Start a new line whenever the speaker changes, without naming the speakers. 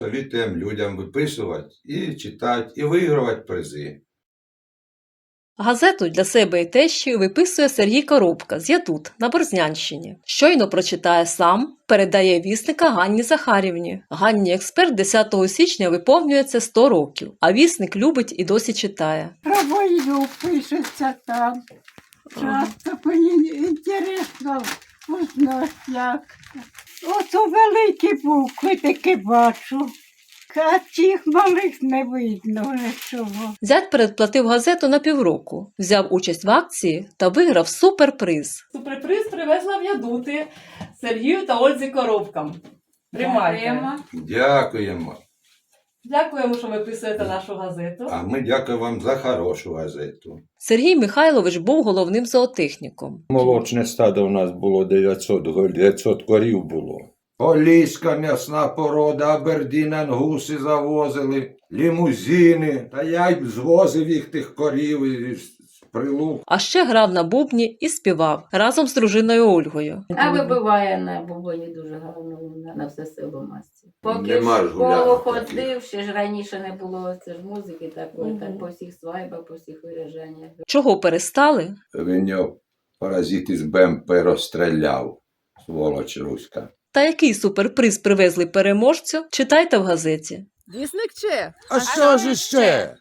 Совітуємо людям виписувати і читати, і вигравати призи.
Газету для себе і тещі виписує Сергій Коробка з Ятут на Борзнянщині. Щойно прочитає сам, передає вісника Ганні Захарівні. Ганні експерт 10 січня виповнюється 100 років, а вісник любить і досі читає.
Про війну пишеться там. Часто мені інтересно узнати, як. Ото великі букви таки бачу, а тих малих не видно нічого.
Зять передплатив газету на півроку, взяв участь в акції та виграв суперприз. Суперприз привезла в Ядути Сергію та Ользі Коробкам. Тримайте.
Дякуємо.
Дякуємо, що виписуєте нашу газету.
А ми дякуємо вам за хорошу газету.
Сергій Михайлович був головним зоотехніком.
Молочне стадо у нас було 900 корів було.
Поліська м'ясна порода, Абердін, ангуси завозили, лімузини. Та я й звозив їх тих корів із Прилук.
А ще грав на бубні і співав разом з дружиною Ольгою.
А вибиває на бубоні дуже гарно на все село масті. Поки
Нема ж
в школу
гулянок
ходив, ще ж раніше не було це ж музики такої, так по всіх свайбах, по всіх виражаннях.
Чого перестали?
Він його паразит із БМП розстріляв, сволоч руська.
Та який суперприз привезли переможцю, читайте в газеті.
Вісник чи?
А що ж іще?